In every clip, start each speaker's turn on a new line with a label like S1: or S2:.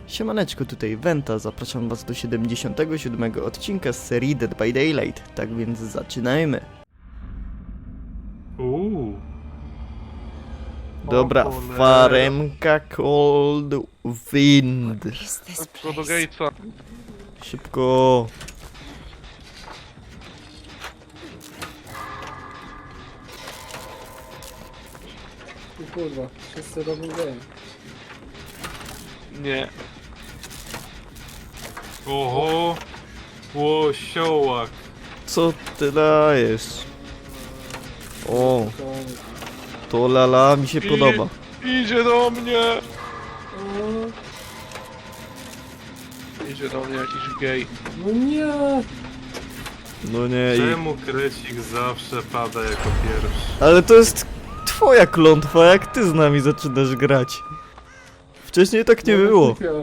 S1: Siemaneczko, tutaj Wenta, zapraszam was do 77 odcinka z serii Dead by Daylight, tak więc zaczynajmy. Dobra, faremka Cold Wind.
S2: Co do Gatesa.
S1: Szybko.
S3: O kurwa, wszyscy robią game.
S2: Nie.
S4: Oho! Łosiołak!
S1: Co ty dajesz? O,
S3: Koniec.
S1: to lala mi się podoba.
S2: Idzie do mnie!
S3: O,
S2: Idzie do mnie jakiś gej.
S3: no nie!
S1: No nie,
S4: Czemu krecik zawsze pada jako pierwszy?
S1: ale to jest twoja klątwa, jak ty z nami zaczynasz grać. Wcześniej tak nie
S3: No,
S1: było.
S3: głupio.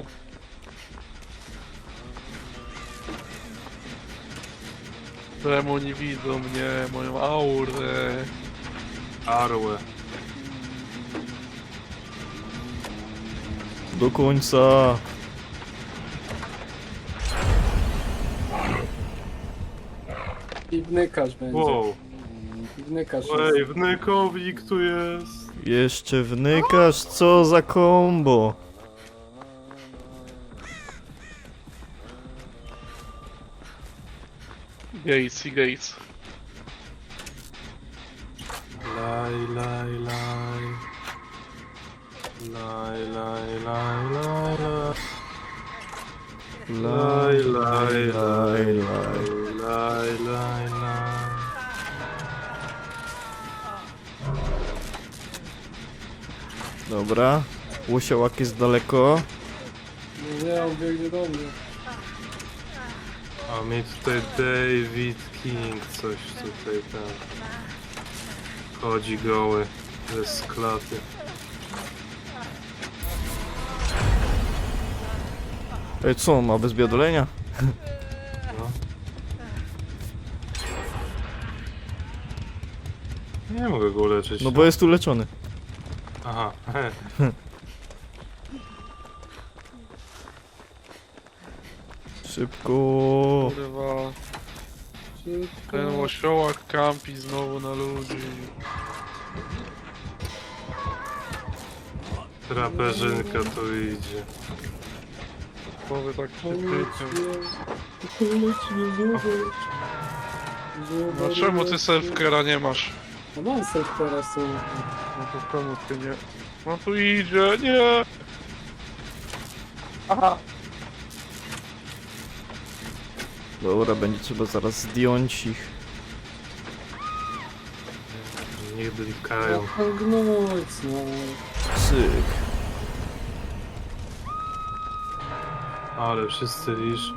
S2: Czemu nie widzą mnie, moją aurę?
S4: Arłę.
S1: Do końca.
S3: I wnykasz będzie.
S4: Wow!
S3: Wnykasz
S4: Ej,
S3: jest.
S4: wnykowik tu jest!
S1: Jeszcze wnykasz, co za kombo.
S2: Gates i Gates.
S4: Laj, laj, laj. Laj, laj, laj, laj, laj. Laj, laj, laj, laj. Laj, laj, laj.
S1: Dobra, łosiołak jest daleko.
S3: No nie, on biegnie do mnie.
S4: A mi tutaj David King coś tutaj tam. Chodzi goły. Ze klaty.
S1: Ej, co, ma bez biadolenia?
S4: No. Nie mogę go uleczyć.
S1: No bo jest uleczony.
S4: Aha.
S1: Szybko.
S2: Kurwa.
S3: Szybko.
S2: Ten osiołak kampi znowu na ludzi.
S4: Traperzynka tu idzie.
S2: Powie tak
S3: Pomóż
S2: przykrytym.
S3: mnie. Pomóż mnie, zobacz.
S2: No czemu ty selfcare'a nie masz?
S3: No mam self teraz są.
S2: No to czemu ty nie? No tu idzie, nie! Aha!
S1: Dobra, będzie trzeba zaraz zdjąć ich.
S4: Niech blikają.
S3: Gnąć, no.
S1: Syk.
S4: Ale wszyscy liczą.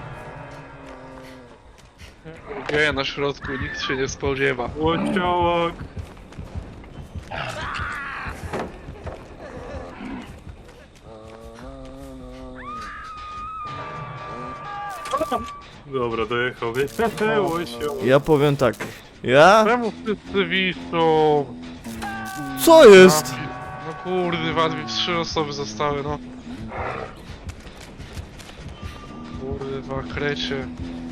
S2: Geja na środku, nikt się nie spodziewa.
S4: Łociołak! Dobra, dojechał. Łociołak.
S1: Ja powiem tak. Ja?
S2: Czemu wszyscy wiszą?
S1: Co jest?
S2: No kurwa, 3 osoby zostały, no. Kurwa, krecie.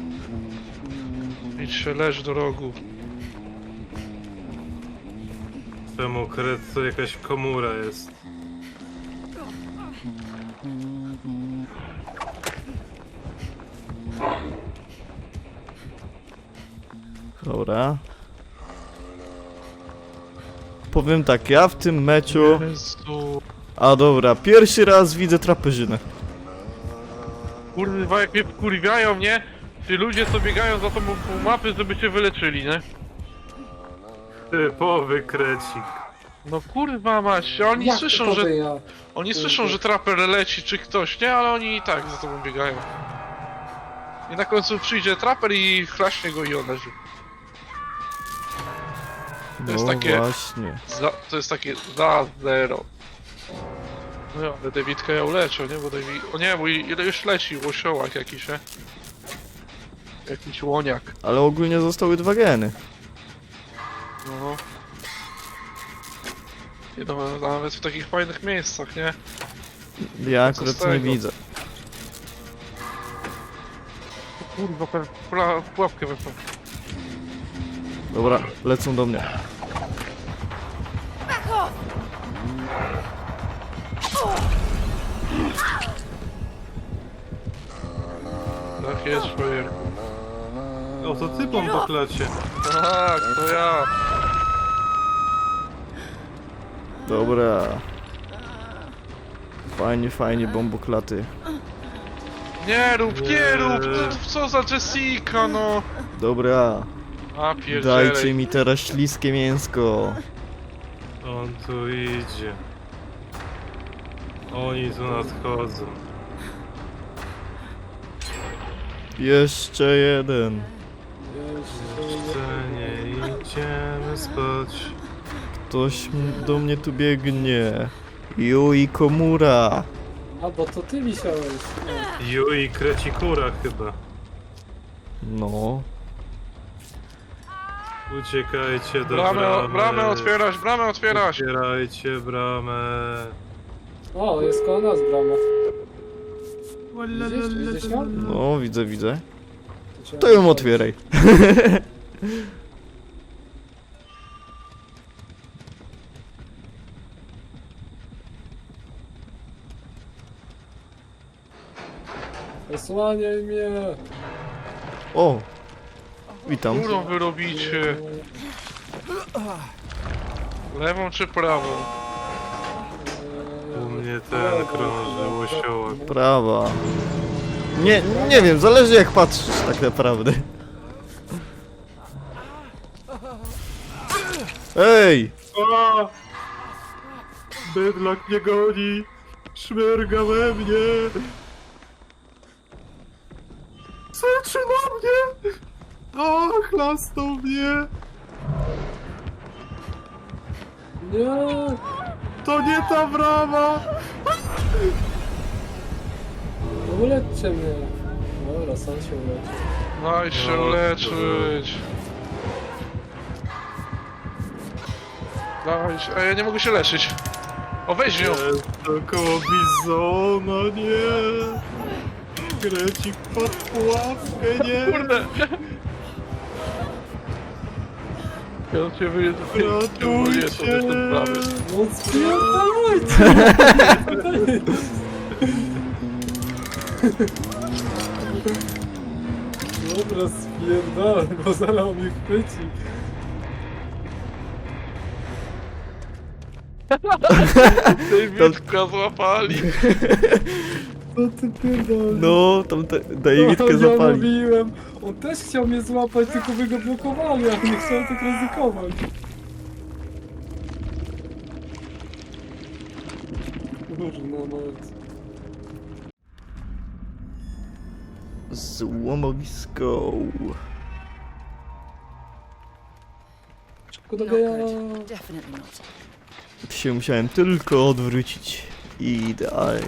S2: Idź się, leż do rogu.
S4: Czemu kret to jakaś komura jest?
S1: Dobra. Powiem tak, ja w tym meczu...
S2: Jezu.
S1: A dobra, pierwszy raz widzę traperzynę.
S2: Kurwa, jak mnie wkurwiają, nie? Ci ludzie co biegają za tą pół mapy, żeby się wyleczyli, nie?
S4: Typowy krecik.
S2: No kurwa mać, oni
S3: Jak
S2: słyszą,
S3: to
S2: że...
S3: ty ja?
S2: Oni słyszą, że traper leci czy ktoś, nie? Ale oni i tak za tobą biegają. I na końcu przyjdzie traper i chlaśnie go i on leży.
S1: No
S2: jest takie-
S1: właśnie.
S2: To jest takie za zero. No ja, ale Davidka ja uleczę, nie? Bo David... O nie, bo ile już leci łosiołak jakiś, nie? Jakiś łoniak.
S1: Ale ogólnie zostały 2 geny.
S2: No. Nie, no, nawet w takich fajnych miejscach, nie?
S1: Ja
S2: Co
S1: akurat
S2: z
S1: nie
S2: tego?
S1: widzę.
S2: Kurwa, pułapkę weszła.
S1: Dobra, lecą do mnie.
S2: Tak jest, szwajer.
S4: O, to ty po klacie.
S2: Tak, to ja.
S1: Dobra. Fajnie, fajnie, bomboklaty.
S2: Nie rób, nie rób! Co za Jessica, no!
S1: Dobra.
S2: A pierdzielej.
S1: Dajcie mi teraz śliskie mięsko.
S4: On tu idzie. Oni tu nadchodzą.
S1: Jeszcze jeden.
S4: Jeszcze nie idziemy spać.
S1: Ktoś do mnie tu biegnie. Yui Komura.
S3: A, bo to ty wisiałeś.
S4: Yui Krecikura chyba.
S1: No.
S4: Uciekajcie do bramy.
S2: Bramę otwierać, bramę otwierać!
S4: Otwierajcie bramę.
S3: O, jest koło nas brama. Widzisz ją?
S1: No, widzę, widzę.
S3: trzeba
S1: To ją
S3: otworzyć.
S1: otwieraj.
S3: Osłaniaj mnie!
S1: O! Witam.
S2: Którą wy robicie? Lewą czy prawą?
S4: U mnie ten krąży łosiołek.
S1: Prawa. Nie wiem, zależy jak patrzysz tak naprawdę. Ej!
S4: A! Bydlak mnie goni! Szmerga we mnie! Syczy na mnie! O, chlasnął mnie!
S3: Nie!
S4: To nie ta brama!
S3: Uleczcie mnie! Dobra, sam się uleczy.
S2: Daj się
S4: No,
S2: leczyć. Daj się... Ej, ja nie mogę się leczyć. O, weź ją!
S4: Jest koło bizona, nie! Krecik pod pułapkę, nie!
S2: Kurde! Ja cię wyjedę.
S4: Ratujcie!
S3: No spierdalajcie! Dobra, spierdalaj, bo zaraz on mnie chwyci.
S2: Davidka złapali.
S3: Co ty pierdolę?
S1: No, tam Davidkę
S3: Ja
S1: zapali.
S3: mówiłem, on też chciał mnie złapać, tylko wy go blokowali, a nie chciałem tak ryzykować. Kurna noc.
S1: Złomowisko.
S3: Szybko do
S5: Not
S3: geja.
S5: good. Definitely not.
S1: Się musiałem tylko odwrócić. Idealnie.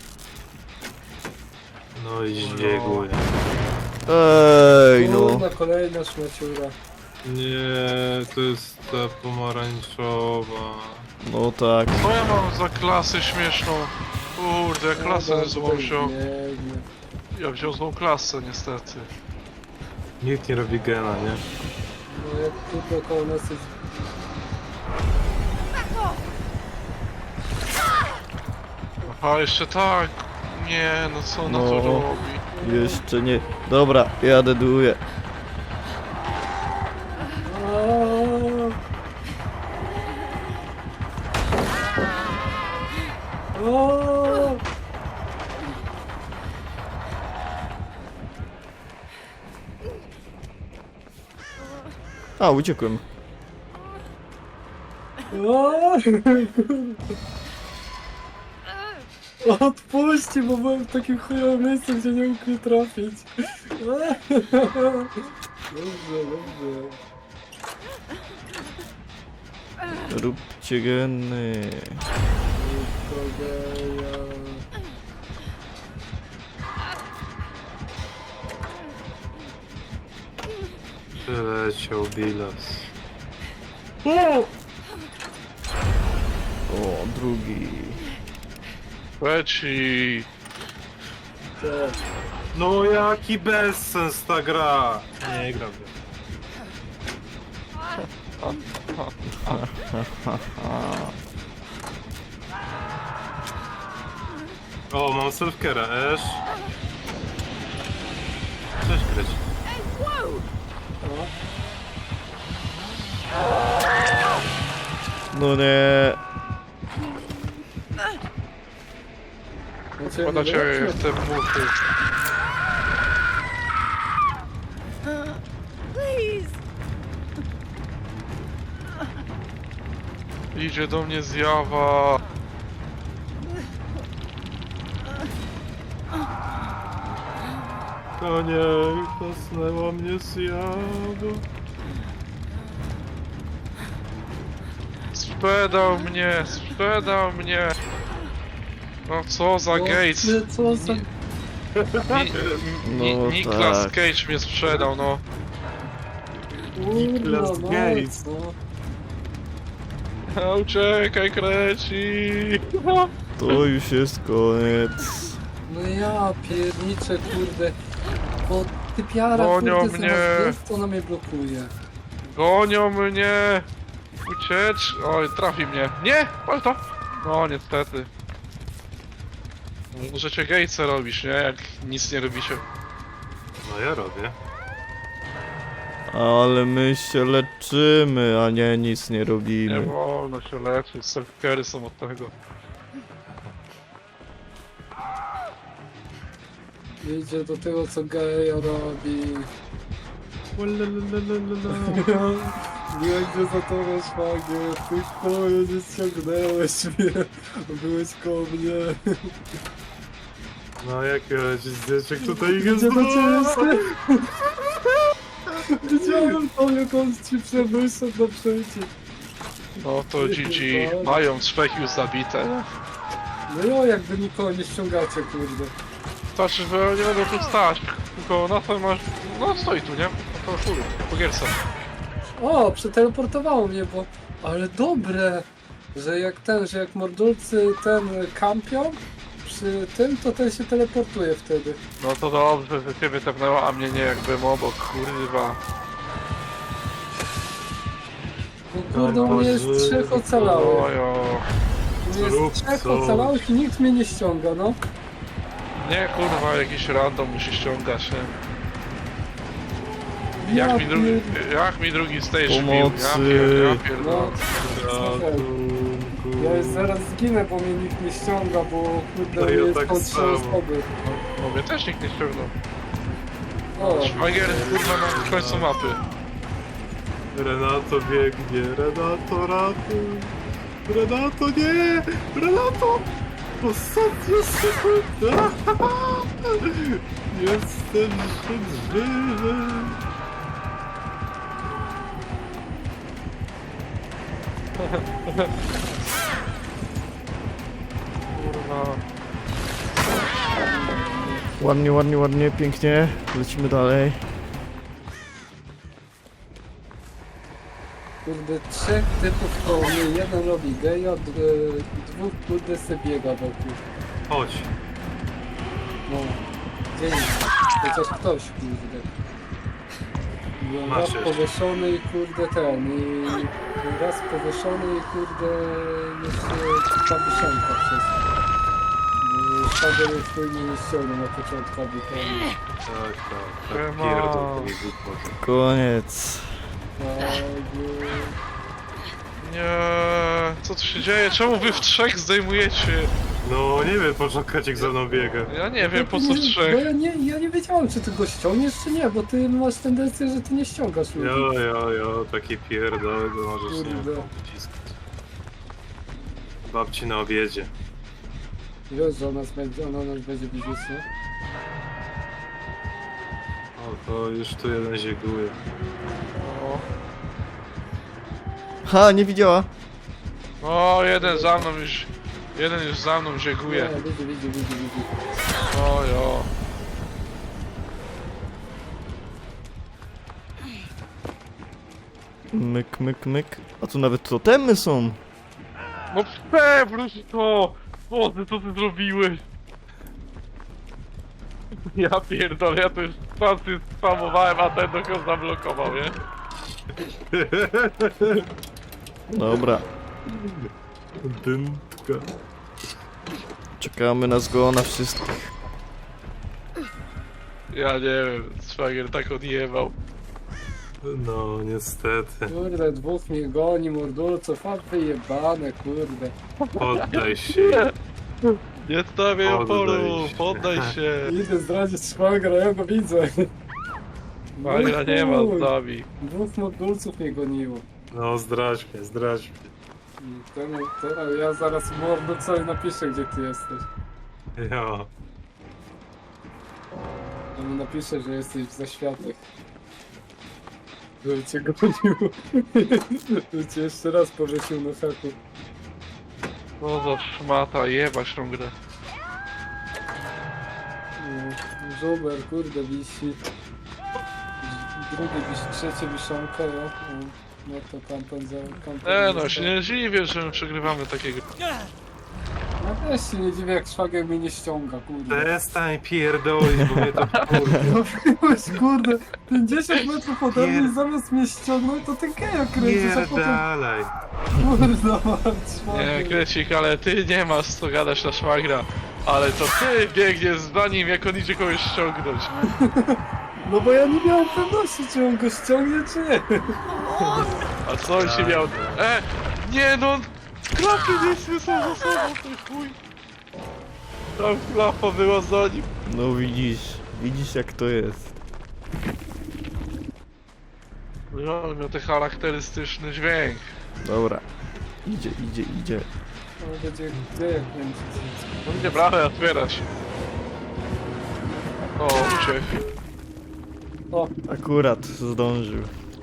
S4: No i zbiegły.
S1: Ej, no.
S3: Kurna, kolejna szmaciura.
S4: Nie, to jest ta pomarańczowa.
S1: No tak.
S2: Co ja mam za klasę śmieszną? Kurde, ja klasę złą wziął.
S3: Biegnie.
S2: Ja wziął złą klasę niestety.
S4: Nikt nie robi gena, nie?
S3: No jak tu koło nas jest...
S2: Aha, jeszcze tak. Nie, no co ona
S1: No.
S2: to robi?
S1: Jeszcze nie. Dobra, jadę duję.
S3: Aaaa! Aaaa!
S1: A, uciekłem.
S3: Aaaa! Odpuśćcie, bo byłem w takim chujowym miejscu, gdzie nie mógł mnie trafić. Dobrze, dobrze.
S1: Róbcie geny.
S3: Kogeja.
S4: Przyleciał bilas.
S1: O, drugi.
S2: Leci.
S3: Tak.
S4: No jaki bezsens ta gra! Nie gram w nią. O, mam self-care'a, Esz. Cześć, Kryć.
S1: No nie.
S3: Znaczy,
S2: Pada
S3: nie
S2: cię
S3: wiem,
S2: w te muchy.
S5: Please.
S2: Idzie do mnie zjawa.
S4: To nie, kosnęła mnie zjawa.
S2: Sprzedał mnie. No co za Gates.
S3: Co za...
S1: No
S2: Nicolas
S1: tak.
S2: Cage mnie sprzedał, no.
S4: Nicolas
S3: Kurwa,
S4: Gates.
S2: A, uciekaj, kreci.
S1: To już jest koniec.
S3: No ja pierniczę, kurde. Bo typiara,
S2: Gonią
S3: kurde,
S2: mnie.
S3: zamiast jest, to ona mnie blokuje.
S2: Gonią mnie. Uciecz. Oj, trafi mnie. Nie, pal to. No, niestety. Możecie Gatesa robisz, nie? Jak nic nie robicie.
S4: No ja robię.
S1: Ale my się leczymy, a nie nic nie
S2: Nie
S1: robimy.
S2: wolno się leczyć, self-care'y są od tego.
S3: Idzie do tego, co geja robi. Nie gdzie za to szwagier, ty chuju nie ściągnęłeś mnie. Byłeś koło mnie.
S4: No jakie zdjęciek tutaj jest.
S3: Gdzie do ciebie? Widziałem to, jak on ci przewyszedł do przejścia.
S2: No to GG. Mają trzech już zabite.
S3: No jo, jakby nikogo nie ściągacie, kurde.
S2: Znaczy, że nie będą tu stać. Tylko na to masz... No stoi tu, nie? No to chuj, po gierce.
S3: O, przeteleportowało mnie, bo... Ale dobre! Że jak mordulcy ten kampią przy tym, to ten się teleportuje wtedy.
S2: No to dobrze, że ciebie tepnęła, a mnie nie, jakbym obok, kurwa.
S3: Bo kurde, u mnie jest
S4: Boże.
S3: trzech ocalałych.
S2: Ojo.
S3: U mnie
S4: Zrób
S3: jest trzech
S4: coś.
S3: ocalałych i nikt mnie nie ściąga, no.
S2: Nie, kurwa, jakiś random musi ściągać, nie?
S3: Ja
S2: Jak mi drugi stage bił?
S1: Pomocy.
S2: Ja pierdolę.
S3: No, ja już zaraz zginę, bo mnie nikt nie ściąga, bo kurde,
S4: No
S3: u
S4: ja
S3: mnie jest
S4: tak
S3: po trzy
S4: samo.
S3: osoby.
S2: No mnie też nikt nie ściągnął.
S3: O,
S2: Szwagier, kurwa, na końcu mapy.
S4: Renato biegnie, Renato ratuj. Renato nie! Renato! Ostatnia sekunda! Jestem żywy!
S2: Kurwa.
S1: Ładnie, ładnie, ładnie, pięknie. Lecimy dalej.
S3: kurde, trzech typów koło mnie, jeden robi geja, dwóch kurde se biega wokół.
S4: Chodź.
S3: No, dzień, chociaż ktoś, kurde. No,
S4: Masz
S3: raz
S4: jeszcze.
S3: powieszony i kurde ten, i raz powieszony i kurde jeszcze ta wisienka przez. Szwagier już tu mnie nie ściągnął na początkowi, to
S4: Tak,
S2: Siema.
S4: pierdol mi głupoty.
S1: Koniec.
S2: Nie, co tu się dzieje? Czemu wy w trzech zdejmujecie?
S4: No nie wiem, po co Kaciek za mną biega.
S2: Ja nie wiem, po co w
S3: Bo
S2: trzech.
S3: ja nie wiedziałem, czy ty go ściągniesz, czy nie, bo ty masz tendencję, że ty nie ściągasz ludzi.
S4: Jo, taki pierdol, to możesz nie
S3: Kurde.
S4: wciskać. Babci na obiedzie.
S3: Wiesz, że ona nas będzie widzieć, nie?
S4: O, to już tu jeden zieguje.
S2: O,
S1: Ha, nie widziała.
S2: o, jeden za mną już... Jeden już za mną zieguje.
S3: Nie, widzi.
S2: Ojo.
S1: Myk, myk, myk. A tu nawet totemy są.
S2: No przewróć to! Boże, co ty zrobiłeś? Ja pierdolę, ja to już pasy spamowałem, a ten dokąd zablokował, nie?
S1: Dobra,
S4: Dyntka.
S1: czekamy na zgona wszystkich.
S2: Ja nie wiem, szwagier tak odjebał.
S4: No, niestety.
S3: Kurde, dwóch mnie goni, mordulców, a wyjebane, kurde.
S4: Poddaj się.
S2: Nie stawiaj
S4: Poddaj
S2: oporu,
S4: się.
S2: poddaj się.
S3: Idę zdradzić szwagra, ja go widzę.
S2: Szwagra nie ma z nami.
S3: Dwóch mordulców mnie goniło.
S4: No, zdradź mnie, zdradź mnie.
S3: I ja zaraz mordulcowi napiszę, gdzie ty jesteś.
S4: Ja.
S3: Ja mu napiszę, że jesteś w zaświatach. Żeby cię gonił. Żeby cię jeszcze raz powiesił na haku.
S2: No za szmata, jebać tą grę.
S3: No, żober, kurde, wisi. Drugi wisi, trzecie wiszonka, ja. No to kampen za kampen.
S2: No się nie dziwię, że my przegrywamy takiego.
S3: Ja też się nie dziwię, jak szwagier mnie nie ściąga, kurde.
S4: Przestań pierdolić, bo mnie to kurwa.
S3: No byłeś, kurde, 50 metrów ode mnie i zamiast mnie ściągnąć, to ty geja kręcisz, a potem...
S4: Pierdalaj.
S3: Kurde, mać,
S2: Nie, Krecik, ale ty nie masz co gadać na szwagra. Ale to ty biegniesz za nim, jak on idzie kogoś ściągnąć.
S3: No bo ja nie miałem pewności, czy on go ściągnie, czy nie.
S2: A co on się miał... Nie no! Klapy nie są za sobą, ty chuj! Tam klapa była za nim.
S1: No widzisz jak to jest.
S2: No, ale miał ten charakterystyczny dźwięk.
S1: Dobra, idzie.
S3: No będzie geja kręcić.
S2: No mnie bramę otwierać. O, uciekł.
S3: O,
S1: Akurat zdążył.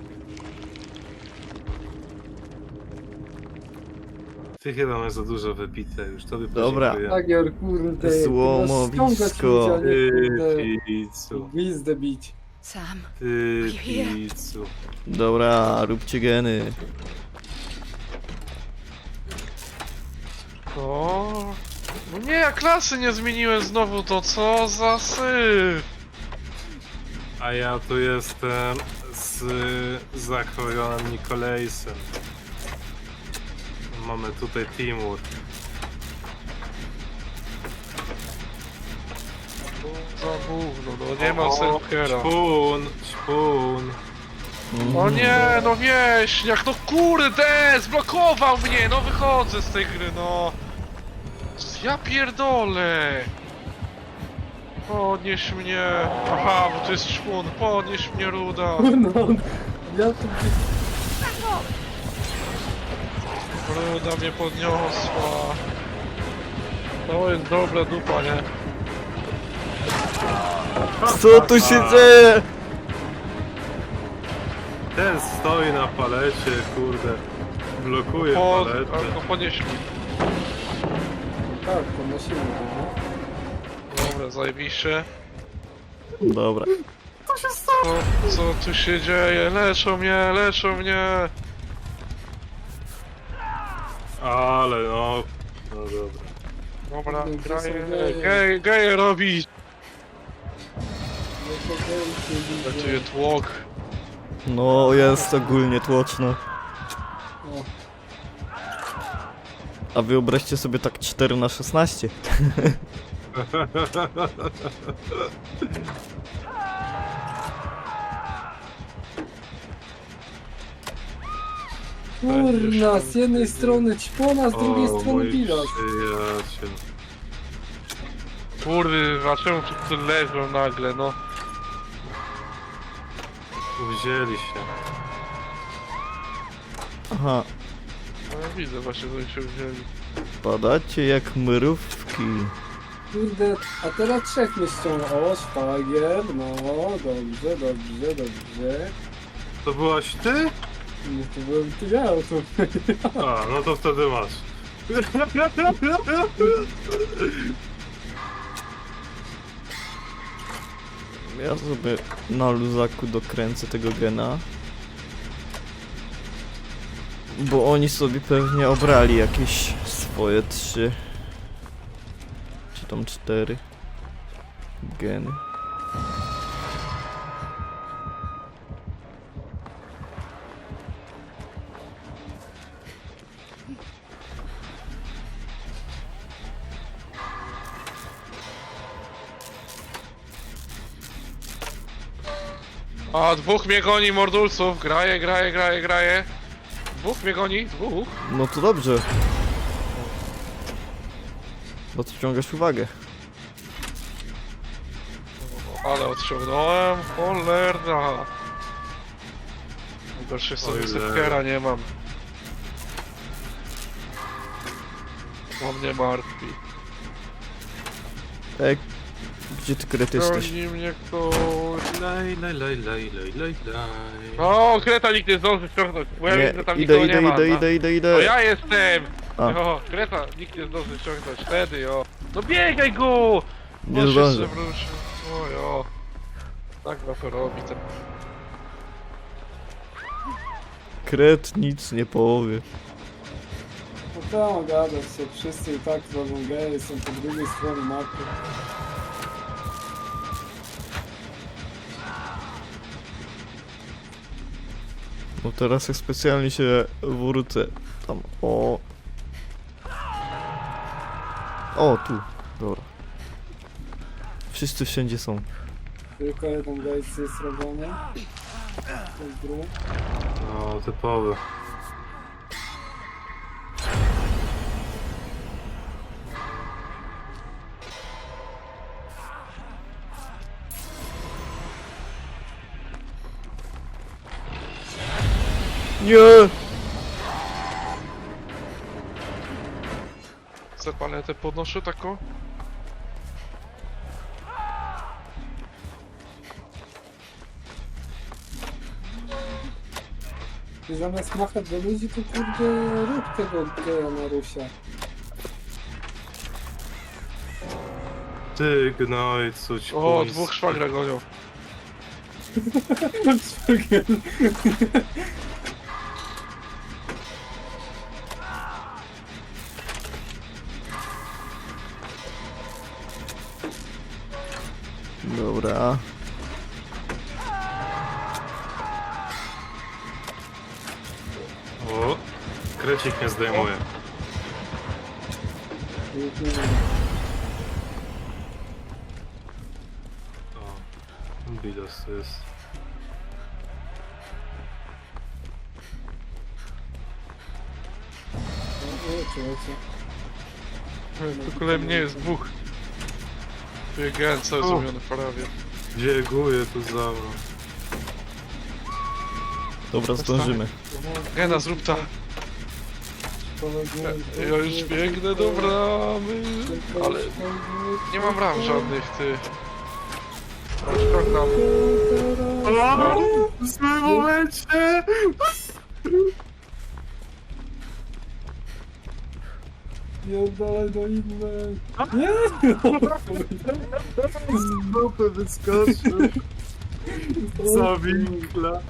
S4: Ty chyba masz za dużo wypite już, to by
S1: Dobra.
S4: podziękuję.
S3: Tagier, kurde. ty
S1: Złomowisko.
S3: masz ściągać ludzi, a nie, kurde,
S4: Ty picu,
S3: gwizdę bić.
S5: Sam,
S4: ty picu.
S1: Dobra, róbcie geny.
S2: O. No nie, ja klasy nie zmieniłem znowu, to co za syf!
S4: A ja tu jestem z Zachorionem Nikolajsem. Mamy tutaj teamwork.
S2: Za gówno, no nie ma self-care'a.
S4: Śpun.
S2: O nie, no wieśniak, no kurde, zblokował mnie, no wychodzę z tej gry, no. Ja pierdolę. Podnieś mnie. Aha, bo to jest szpun, podnieś mnie, ruda.
S3: No, ja tu
S2: Ruda mnie podniosła. To jest dobra dupa, nie?
S1: Co tu się dzieje?
S4: Ten stoi na palecie, kurde. Blokuje paletę.
S2: No podnieś mnie.
S3: tak, podnosimy go, no.
S2: Dobra, zajebiście.
S1: Dobra.
S2: Co tu się dzieje? Leczą mnie!
S4: Ale no. No dobra.
S2: Dobra,
S3: Kurde, gdzie są
S2: graję. Geje robić!
S3: No to gej się
S2: Pracuje
S3: widzę.
S2: tłok.
S1: No jest ogólnie tłoczno.
S3: O,
S1: A wyobraźcie sobie tak 4×16.
S3: kurna, z jednej strony ćpona, z drugiej strony
S4: mój
S3: bilas.
S4: przyjaciel.
S2: Kurwa, czemu tu leżą nagle, no?
S4: Wzięli się.
S1: Aha,
S2: No ja widzę właśnie, że oni się wzięli.
S1: padacie jak mrówki.
S3: Kurde, a teraz trzech mnie ściąga. O, szwagier, no, dobrze.
S4: To byłaś ty?
S3: Nie, to byłem ty ja, to...
S4: A, no to wtedy masz.
S1: Ja sobie na luzaku dokręcę tego gena. Bo oni sobie pewnie obrali jakieś swoje 3 czy tam 4 geny.
S2: A, dwóch mnie goni, mordulców. Graje. Dwóch mnie goni, dwóch.
S1: No to dobrze. Bo ty ciągasz uwagę.
S2: Ale odciągnąłem, cholerna. Najgorsze jest to, że
S4: Ojej.
S2: sepkera nie mam. To mnie martwi.
S1: Ej, gdzie ty Kret jesteś?
S2: Goni mnie ktoś.
S4: Laj, laj, laj, laj, laj, laj, laj.
S2: O, Kreta nikt nie zdąży ściągnąć, bo ja widzę, że tam
S1: idę,
S2: nikogo nie ma.
S1: idę.
S2: To ja jestem!
S1: A.
S2: O, Kreta nikt nie zdąży ściągnąć, wtedy o. No biegaj go!
S1: Nie
S2: On się
S1: zdążę.
S2: przewrócił. Oj, o. Tak to robi. Ten...
S1: Kret nic nie powie.
S3: No tam gadać się, wszyscy i tak robią geje, są po drugiej stronie mapy.
S1: No teraz jak specjalnie się wrócę. Tam, o. O, tu. Dobra. Wszyscy wszędzie są.
S3: Tylko jeden gejs jest robiony. To jest drugi.
S4: No, typowy.
S1: Nie!
S2: Chcę paletę podnoszę taką?
S3: I zamiast machać do ludzi, to kurde rób tego geja na Rusia.
S4: Ty gnojcu, ci
S2: O, dwóch szwagra gonią.
S1: Dobra.
S4: O, krecik nie zdejmuje.
S3: Już nie wiem.
S4: O, bidos jest.
S3: O, człowiecie.
S2: Tylko mnie jest dwóch. Biegałem cały
S4: O.
S2: zrobiony prawie.
S4: Bieguje tu za mną.
S1: Dobra, zdążymy.
S2: Gena, zrób ta. Ja już biegnę do bramy. Ale nie mam ram żadnych, ty. Szkoda.
S4: W złym momencie!
S3: Nie oddalaj do innej. Nie!
S4: Z dupy wyskoczył. Za winkla.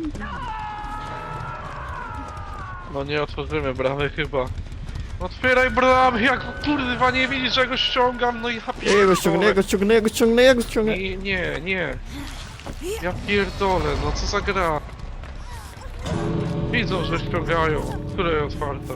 S2: No nie otworzymy bramy chyba. Otwieraj bramy, jak kurwa nie widzisz, że go ściągam, no i ja
S1: Ja go ściągnę, ja go ściągnę, ja go ściągnę, ja go ściągnę.
S2: Nie. Ja pierdolę, no co za gra. Widzą, że ściągają. Która jest otwarta?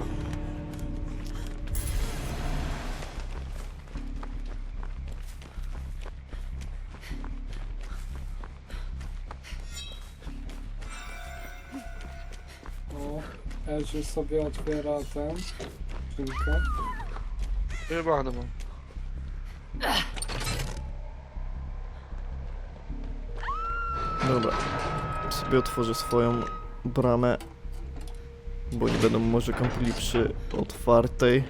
S3: O, Eziu sobie otwiera ten. Skrzynkę.
S2: Jebany mam.
S1: Dobra. Sobie otworzę swoją bramę. Bo nie będą może kampili przy otwartej.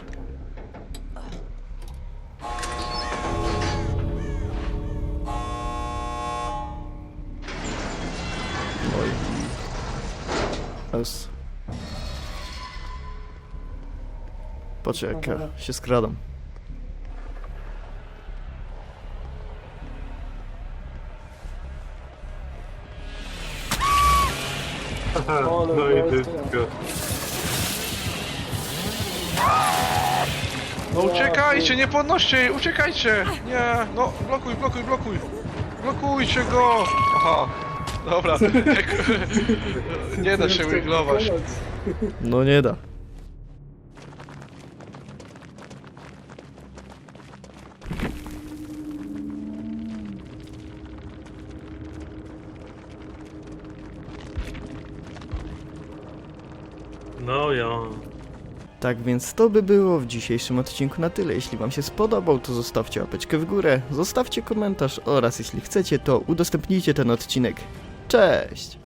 S1: No i... S. Patrz jak ja się skradam.
S4: No i tylko.
S2: No uciekajcie, nie podnoście jej, uciekajcie! Nie, no blokuj. Blokujcie go! Aha, dobra. Nie da się wiglować.
S1: No nie da.
S4: No ja.
S1: Tak więc to by było w dzisiejszym odcinku na tyle. Jeśli wam się spodobał, to zostawcie łapeczkę w górę, zostawcie komentarz oraz jeśli chcecie, to udostępnijcie ten odcinek. Cześć!